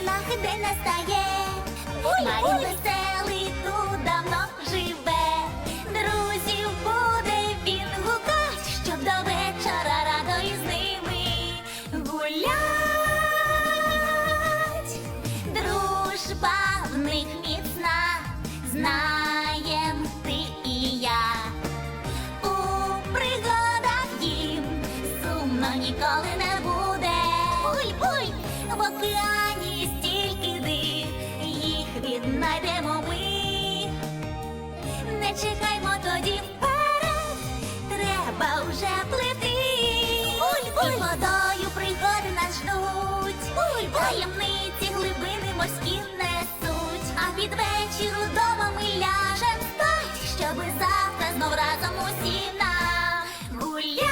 новинах день настає. Марін веселий тут давно живе. Друзів буде він гукать, щоб до вечора радо із ними гулять. Дружба в них міцна, знаєм ти і я. У пригадах їм сумно ніколи не буде. Буй-буй, в океані стільки див, їх віднайдемо ми. Не чекаймо тоді вперед, треба вже плити. Буль-буль, водою пригоди нас ждуть. Буль-буль, таємниці глибини морські несуть. А під вечір удома ми ляжем спать, щоби завтра знов разом усі нагулять.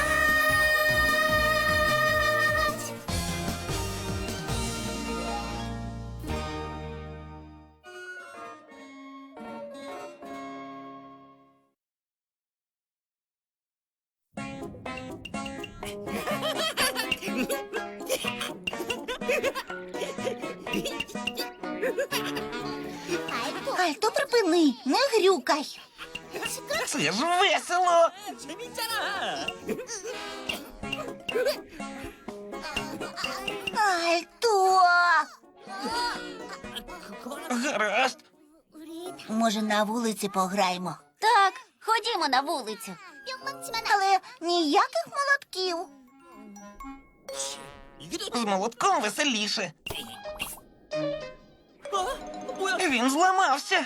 Альто, припини, не грюкай. Це ж весело! Альто! Гаразд. Може, на вулиці пограємо? Так, ходімо на вулицю. Але ніяких молотків. З молотком веселіше. Він зламався.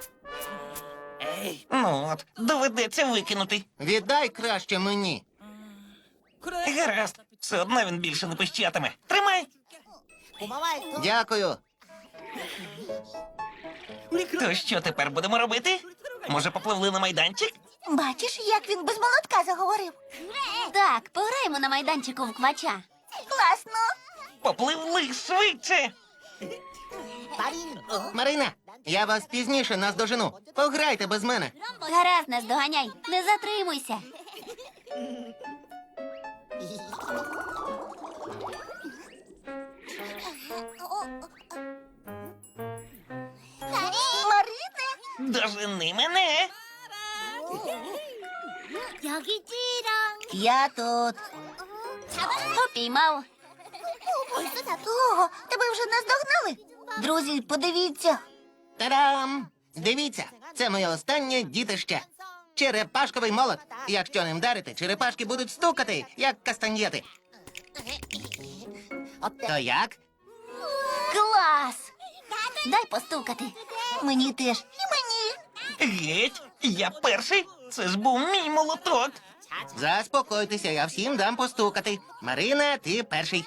Ну от, доведеться викинути. Віддай краще мені. Гаразд, все одно він більше не пищатиме. Тримай! Дякую. То що тепер будемо робити? Може, попливли на майданчик? Бачиш, як він без молотка заговорив? Так, пограємо на майданчику в квача. Класно. Попливли швидше! Марина, я вас пізніше наздожену. Пограйте без мене. Гаразд, нас доганяй, не затримуйся. Марине, Дожени мене! я тут. Попіймав. Ого, тебе вже наздогнали? Друзі, подивіться. Та-дам! Дивіться, це моє останнє дітище. Черепашковий молот. Якщо ним вдарити, черепашки будуть стукати, як кастаньєти. То як? Клас! Дай постукати. Мені теж. І мені. Геть, я перший. Це ж був мій молоток. Заспокойтеся, я всім дам постукати. Марина, ти перший.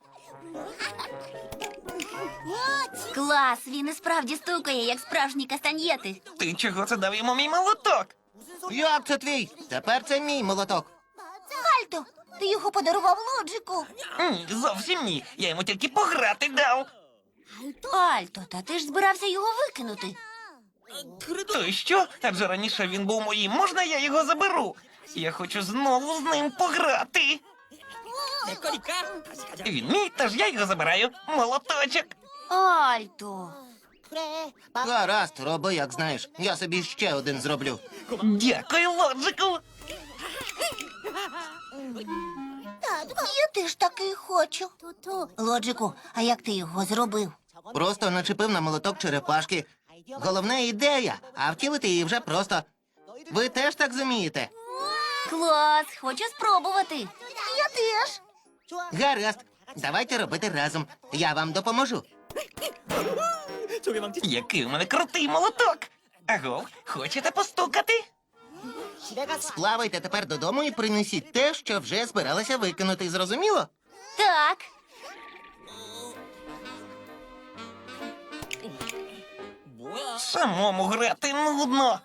Клас, він і справді стукає, як справжні кастаньєти. Ти чого це дав йому мій молоток? Як це твій? Тепер це мій молоток. Альто, ти його подарував Лоджику. Ні, зовсім ні. Я йому тільки пограти дав. Альто, та ти ж збирався його викинути. То що? Адже раніше він був моїм. Можна я його заберу? Я хочу знову з ним пограти. Він мій, тож я його забираю. Молоточок. Альто. Гаразд, роби, як знаєш. Я собі ще один зроблю. Дякую, Лоджику. Я теж такий хочу. Лоджику, а як ти його зробив? Просто начепив на молоток черепашки. Головна ідея, а втілити її вже просто. Ви теж так зумієте? Клас, хочу спробувати. Я теж. Гаразд, давайте робити разом. Я вам допоможу. Який у мене крутий молоток. Агов, хочете постукати? Сплавайте тепер додому і принесіть те, що вже збиралися викинути. Зрозуміло? Так. Самому грати нудно.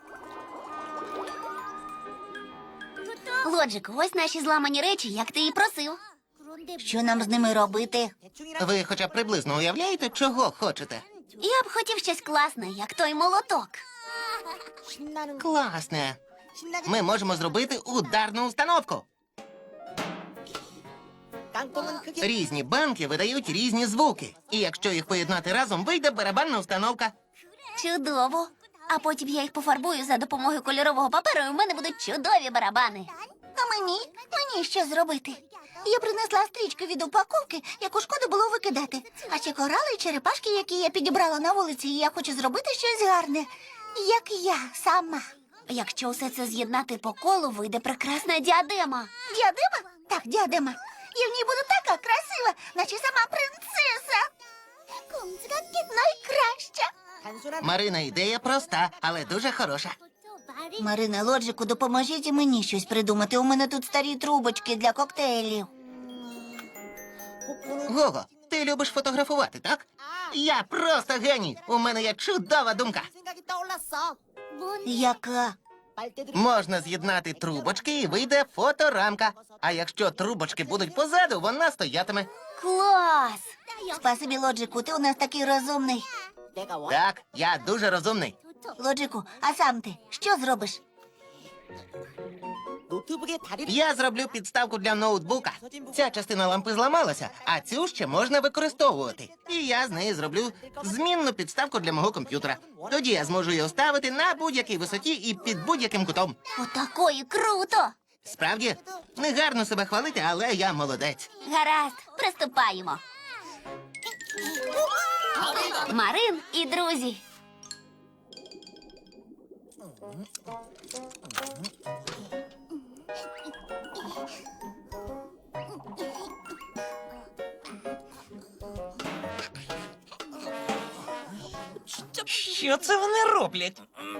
Лоджик, ось наші зламані речі, як ти і просив. Що нам з ними робити? Ви хоча б приблизно уявляєте, чого хочете? Я б хотів щось класне, як той молоток. Класне. Ми можемо зробити ударну установку. Різні банки видають різні звуки. І якщо їх поєднати разом, вийде барабанна установка. Чудово. А потім я їх пофарбую за допомогою кольорового паперу, і в мене будуть чудові барабани. А мені що зробити? Я принесла стрічку від упаковки, яку шкода було викидати. А ще корали і черепашки, які я підібрала на вулиці, і я хочу зробити щось гарне, як я сама. Якщо усе це з'єднати по колу, вийде прекрасна діадема. Діадема? Так, діадема. Я в ній буду така красива, наче сама принцеса. Найкраща. Марина, ідея проста, але дуже хороша. Марина, Лоджику, допоможіть і мені щось придумати. У мене тут старі трубочки для коктейлів. Гого, ти любиш фотографувати, так? Я просто геній. У мене є чудова думка. Яка? Можна з'єднати трубочки і вийде фоторамка. А якщо трубочки будуть позаду, вона стоятиме. Клас! Спасибі, Лоджику, ти у нас такий розумний. Так, я дуже розумний. Лоджику, а сам ти що зробиш? Я зроблю підставку для ноутбука. Ця частина лампи зламалася, а цю ще можна використовувати. І я з неї зроблю змінну підставку для мого комп'ютера. Тоді я зможу його ставити на будь-якій висоті і під будь-яким кутом. Отакої круто! Справді, не гарно себе хвалити, але я молодець. Гаразд, приступаємо. Марин і друзі. Що це вони роблять?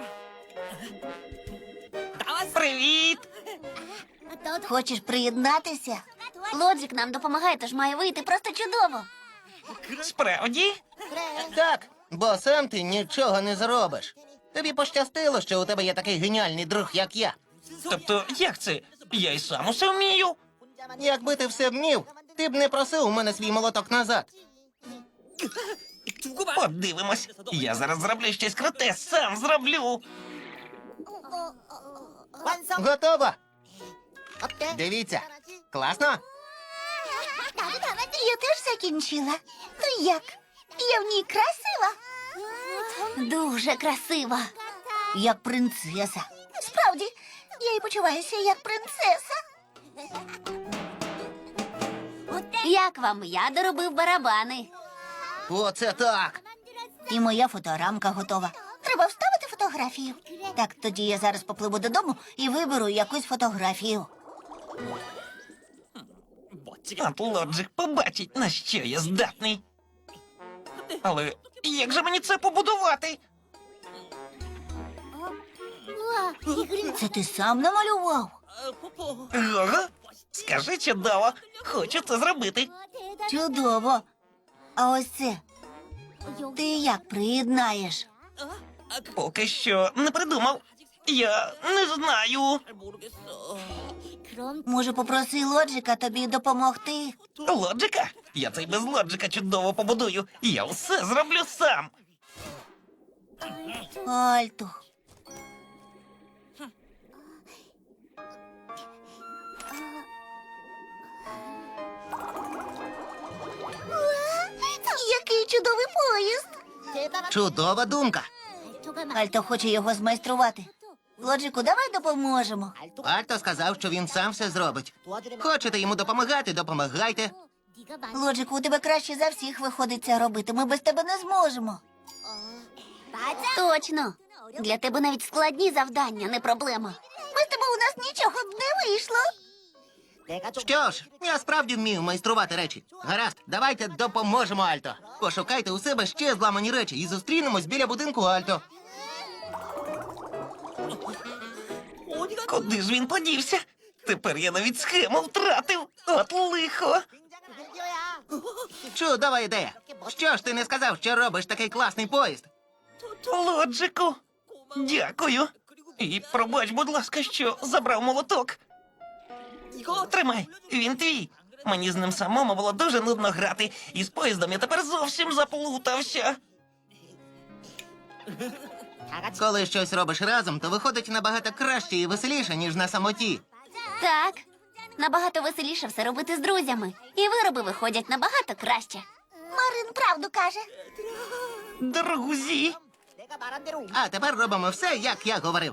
Привіт! Хочеш приєднатися? Лоджик нам допомагає, тож має вийти просто чудово. Справді? Так, бо сам ти нічого не зробиш. Тобі пощастило, що у тебе є такий геніальний друг, як я. Тобто, як це? Я й сам усе вмію. Якби ти все вмів, ти б не просив у мене свій молоток назад. Подивимось. Я зараз зроблю щось круте, сам зроблю. Готово? Дивіться. Класно? Я теж закінчила. Ну як? Я в ній красива? Дуже красива. Як принцеса. Справді, я і почуваюся як принцеса. Як вам? Я доробив барабани. Оце так. І моя фоторамка готова. Треба вставити фотографію. Так, тоді я зараз попливу додому і виберу якусь фотографію. От Лоджик побачить, на що я здатний. Але як же мені це побудувати? Це ти сам намалював? Гого, скажи чудово, хочу це зробити. Чудово. А ось це ти як приєднаєш? Поки що не придумав. Я не знаю. Може, попроси Лоджика тобі допомогти? Лоджика? Я це й без Лоджика чудово побудую. Я все зроблю сам. Альто. Який чудовий поїзд! Чудова думка. Альто хоче його змайструвати. Лоджику, давай допоможемо. Альто сказав, що він сам все зробить. Хочете йому допомагати, допомагайте. Лоджику, у тебе краще за всіх виходить це робити. Ми без тебе не зможемо. Точно. Для тебе навіть складні завдання не проблема. Без тебе у нас нічого б не вийшло. Що ж, я справді вмію майструвати речі. Гаразд, давайте допоможемо Альто. Пошукайте у себе ще зламані речі і зустрінемось біля будинку Альто. Куди ж він подівся? Тепер я навіть схему втратив. От лихо. Чудова ідея. Що ж ти не сказав, що робиш такий класний поїзд? Лоджику, дякую. І пробач, будь ласка, що забрав молоток. Тримай, він твій. Мені з ним самому було дуже нудно грати, і з поїздом я тепер зовсім заплутався. Коли щось робиш разом, то виходить набагато краще і веселіше, ніж на самоті. Так. Набагато веселіше все робити з друзями. І вироби виходять набагато краще. Марин правду каже. Друзі! А тепер робимо все, як я говорив.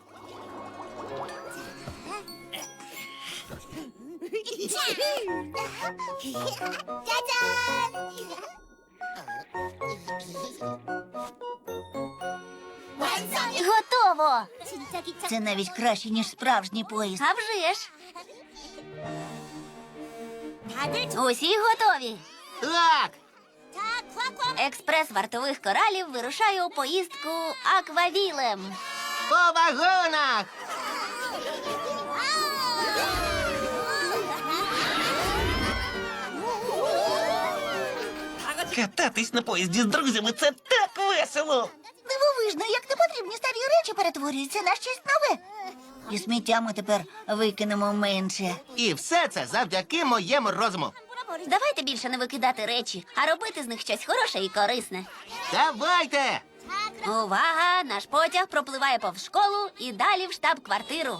Готово! Це навіть краще, ніж справжній поїзд. А вже ж. Усі готові. Так, Експрес вартових коралів вирушає у поїздку аквавілем. по вагонах! Кататись на поїзді з друзями це так весело! Дивовижно, як непотрібні старі речі перетворюються на щось нове. І сміття ми тепер викинемо менше. І все це завдяки моєму розуму. Давайте більше не викидати речі, а робити з них щось хороше і корисне. Давайте! Увага! Наш потяг пропливає повз школу і далі в штаб-квартиру.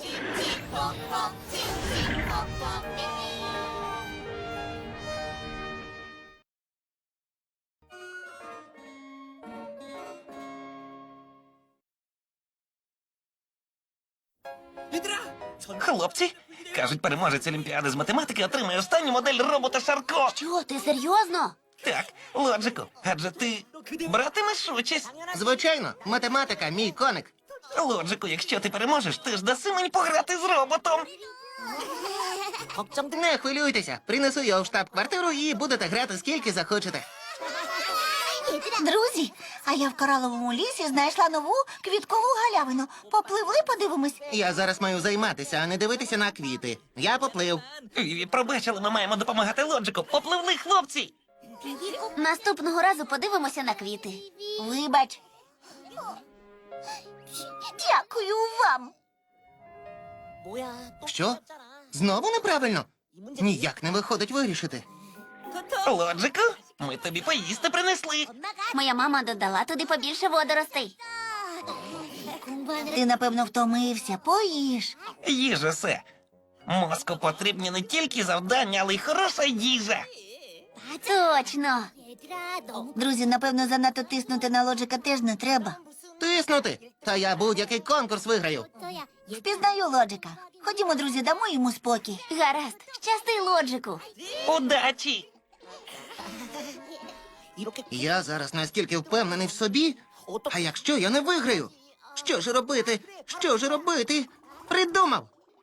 Хлопці, кажуть, переможець Олімпіади з математики отримає останню модель робота Шарко. Чого, ти серйозно? Так, Лоджику, адже ти братимеш участь. Звичайно, математика мій коник. Лоджику, якщо ти переможеш, ти ж даси мені пограти з роботом. Не хвилюйтеся, принесу його в штаб-квартиру і будете грати скільки захочете. Друзі, а я в кораловому лісі знайшла нову квіткову галявину. Попливли, подивимось. Я зараз маю займатися, а не дивитися на квіти. Я поплив. Віві, пробачили, ми маємо допомагати Лоджику. Попливли, хлопці! Наступного разу подивимося на квіти. Вибач. Дякую вам. Що? Знову неправильно? Ніяк не виходить вирішити. Лоджику, ми тобі поїсти принесли. Моя мама додала туди побільше водоростей. Ти, напевно, втомився. Поїж. Їжа все. Мозку потрібні не тільки завдання, але й хороша їжа. Точно. Друзі, напевно, занадто тиснути на Лоджика теж не треба. Тиснути? Та я будь-який конкурс виграю. Впізнаю Лоджика. Ходімо, друзі, дамо йому спокій. Гаразд. Щасти, Лоджику. Удачі! Я зараз настільки впевнений в собі. А якщо я не виграю? Що ж робити? Що ж робити? Придумав.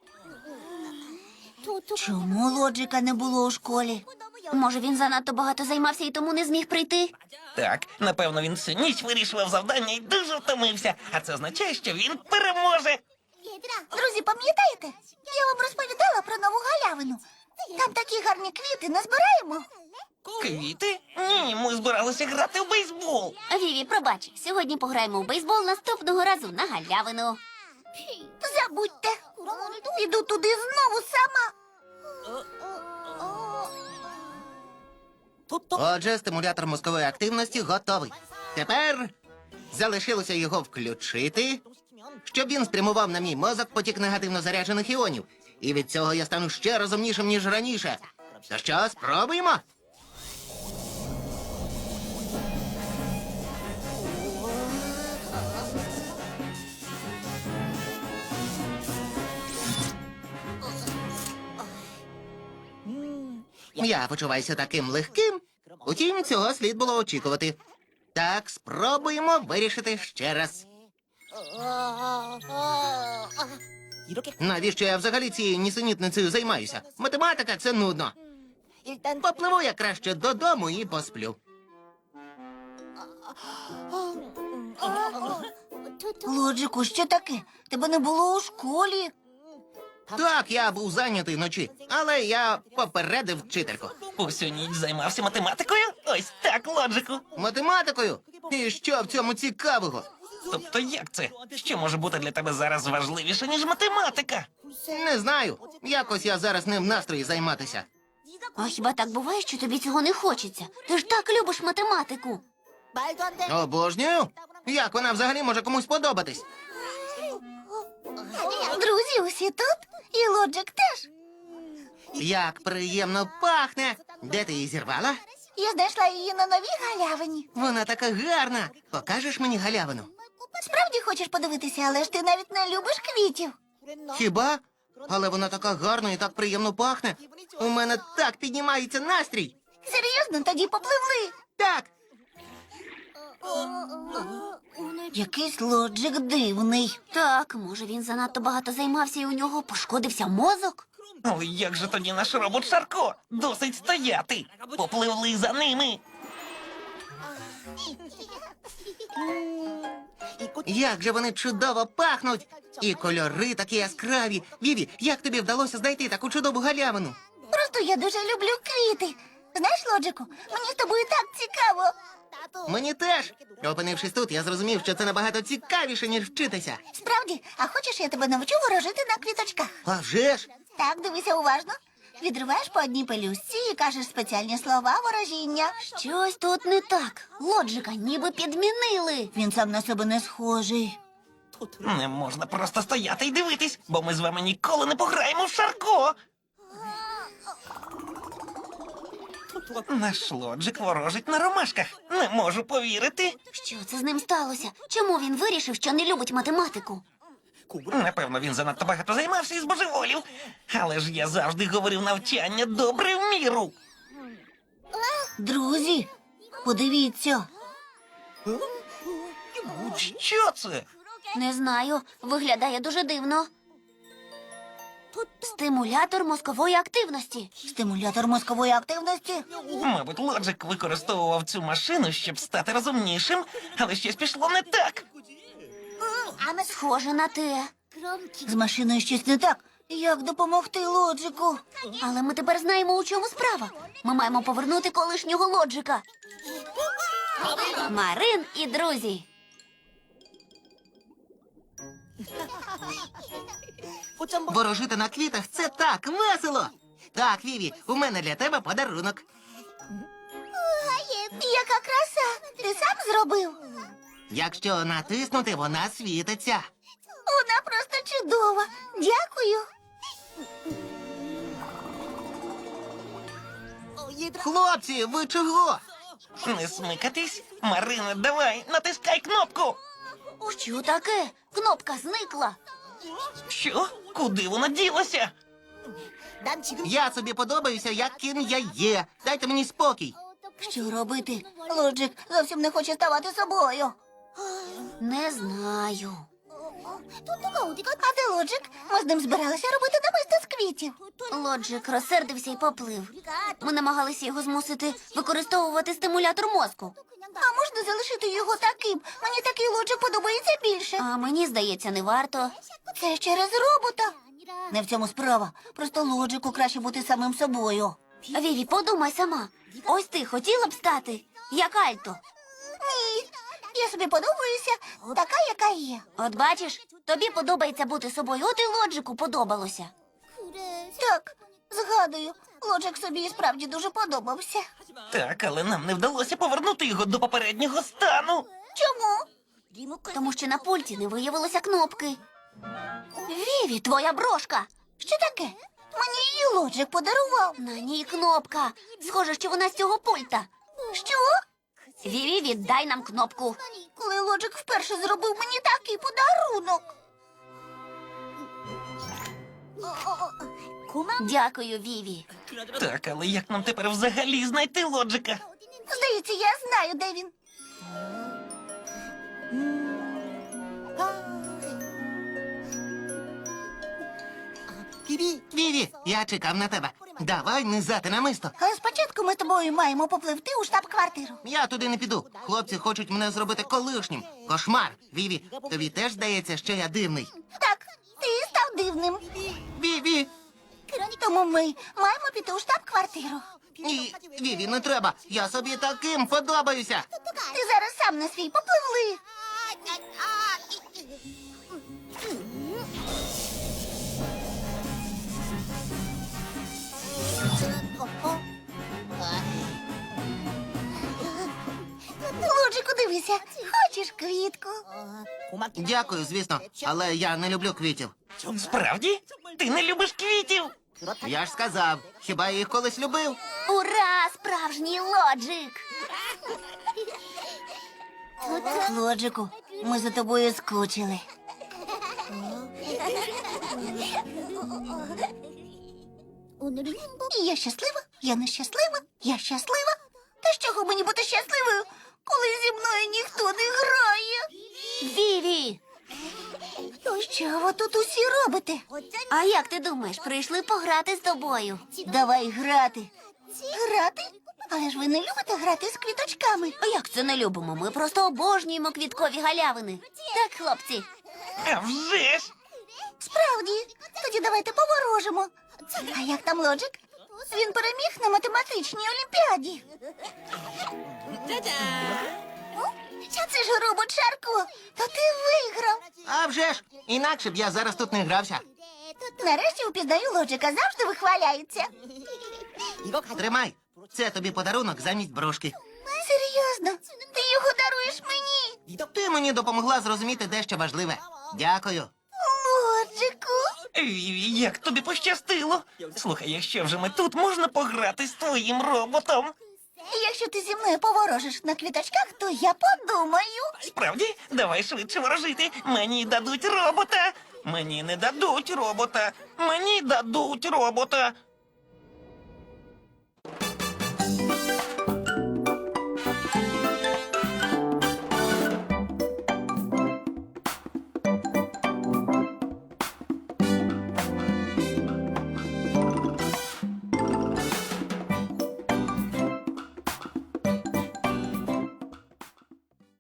Чому Лоджика не було у школі? Може, він занадто багато займався і тому не зміг прийти? Так, напевно, він всю ніч вирішував завдання і дуже втомився. А це означає, що він переможе. Друзі, пам'ятаєте? Я вам розповідала про нову галявину. Там такі гарні квіти, не збираємо? Квіти? Ні, ми збиралися грати в бейсбол. Віві, пробач, сьогодні пограємо в бейсбол, наступного разу на галявину. Забудьте. Піду туди знову сама. Отже, стимулятор мозкової активності готовий. Тепер залишилося його включити, щоб він спрямував на мій мозок потік негативно заряджених іонів. І від цього я стану ще розумнішим, ніж раніше. То що, спробуємо? Я почуваюся таким легким. Утім, цього слід було очікувати. Так, спробуємо вирішити ще раз. Навіщо я взагалі цією нісенітницею займаюся? Математика — це нудно. Попливу я краще додому і посплю. Лоджику, що таке? Тебе не було у школі. Так, я був зайнятий вночі, але я попередив вчительку. Усю ніч займався математикою? Ось так, Лоджику. Математикою? І що в цьому цікавого? Тобто як це? Що може бути для тебе зараз важливіше, ніж математика? Не знаю. Якось я зараз не в настрої займатися. А хіба так буває, що тобі цього не хочеться? Ти ж так любиш математику. Обожнюю. Як вона взагалі може комусь подобатись? Друзі, усі тут? І Лоджик теж. Як приємно пахне! Де ти її зірвала? Я знайшла її на новій галявині. Вона така гарна. Покажеш мені галявину? Справді хочеш подивитися, але ж ти навіть не любиш квітів. Хіба? Але вона така гарна і так приємно пахне. У мене так піднімається настрій. Серйозно, тоді попливли. Так, Якийсь лоджик дивний. Так, може він занадто багато займався і у нього пошкодився мозок? Але як же тоді наш робот Шарко? Досить стояти. Попливли за ними. як же вони чудово пахнуть! І кольори такі яскраві. Віві, як тобі вдалося знайти таку чудову галявину? Просто я дуже люблю квіти. Знаєш, Лоджику, мені з тобою так цікаво. Мені теж. Опинившись тут, я зрозумів, що це набагато цікавіше, ніж вчитися. Справді, а хочеш, я тебе навчу ворожити на квіточках? А вже ж! Так, дивися уважно. Відриваєш по одній пелюстці і кажеш спеціальні слова ворожіння. Щось тут не так. Лоджика ніби підмінили. Він сам на себе не схожий. Не можна просто стояти і дивитись, бо ми з вами ніколи не пограємо в Шарко. Наш лоджик ворожить на ромашках. Не можу повірити. Що це з ним сталося? Чому він вирішив, що не любить математику? Напевно, він занадто багато займався і збожеволів. Але ж я завжди говорив навчання добре в міру. Друзі, подивіться. Що це? Не знаю, виглядає дуже дивно. Стимулятор мозкової активності. Стимулятор мозкової активності. Мабуть, лоджик використовував цю машину, щоб стати розумнішим, але щось пішло не так. Схоже на те. З машиною щось не так. Як допомогти Лоджику? Але ми тепер знаємо, у чому справа. Ми маємо повернути колишнього лоджика. Марин і друзі. Ворожити на квітах – це так весело! Так, Віві, у мене для тебе подарунок. Яка краса! Ти сам зробив? Якщо натиснути, вона світиться. Вона просто чудова. Дякую. Хлопці, ви чого? Не смикатись. Марина, давай, натискай кнопку. Що таке? Кнопка зникла. Що? Куди вона ділася? Я собі подобаюся, яким я є. Дайте мені спокій. Що робити? Лоджик зовсім не хоче ставати собою. Не знаю. А де Лоджик? Ми з ним збиралися робити намисто з квітів. Лоджик розсердився і поплив. Ми намагалися його змусити використовувати стимулятор мозку. А можна залишити його таким? Мені такий Лоджик подобається більше. А мені здається, не варто. Це через робота. Не в цьому справа. Просто Лоджику краще бути самим собою. Віві, подумай сама. Ось ти хотіла б стати, як Альто. Ні, я собі подобаюся така, яка є. От бачиш, тобі подобається бути собою, от і Лоджику подобалося. Так, згадую, Лоджик собі і справді дуже подобався. Так, але нам не вдалося повернути його до попереднього стану. Чому? Тому що на пульті не виявилося кнопки. Віві, твоя брошка. Що таке? Мені її Лоджик подарував. На ній кнопка. Схоже, що вона з цього пульта. Що? Віві, віддай нам кнопку. Коли Лоджик вперше зробив мені такий подарунок. Дякую, Віві. Так, але як нам тепер взагалі знайти лоджика? Здається, я знаю, де він. Віві, я чекав на тебе. Давай низати намисто. Але спочатку ми з тобою маємо попливти у штаб-квартиру. Я туди не піду. Хлопці хочуть мене зробити колишнім. Кошмар. Віві, тобі теж здається, що я дивний. Так, ти став дивним. Віві! Тому ми маємо піти у штаб-квартиру. Ні, Віві, не треба. Я собі таким подобаюся. Ти зараз сам на свій попливли. Лоджику, дивися, хочеш квітку? Дякую, звісно, але я не люблю квітів. Справді? Ти не любиш квітів? Я ж сказав, хіба я їх колись любив? Ура! Справжній Лоджик! Лоджику, ми за тобою скучили. Я щаслива, я нещаслива, я щаслива. Та з чого мені бути щасливою, коли зі мною ніхто не грає? Віві! Що ви тут усі робите? А як ти думаєш, прийшли пограти з тобою? Давай грати. Грати? Але ж ви не любите грати з квіточками. А як це не любимо? Ми просто обожнюємо квіткові галявини. Так, хлопці. А вже ж! Справді, тоді давайте поворожимо. А як там Лоджик? Він переміг на математичній олімпіаді. Це ж робот Шарко. То ти виграв. А вже ж, інакше б я зараз тут не грався. Нарешті впізнаю Лоджика, завжди вихваляється. Тримай, це тобі подарунок замість брошки. Серйозно, ти його даруєш мені? Ти мені допомогла зрозуміти дещо важливе. Дякую. Лоджику. Віві, як тобі пощастило. Слухай, якщо вже ми тут, можна пограти з твоїм роботом. Якщо ти зі мною поворожиш на квіточках, то я подумаю. Справді, давай швидше ворожити. Мені дадуть робота. Мені не дадуть робота. Мені дадуть робота.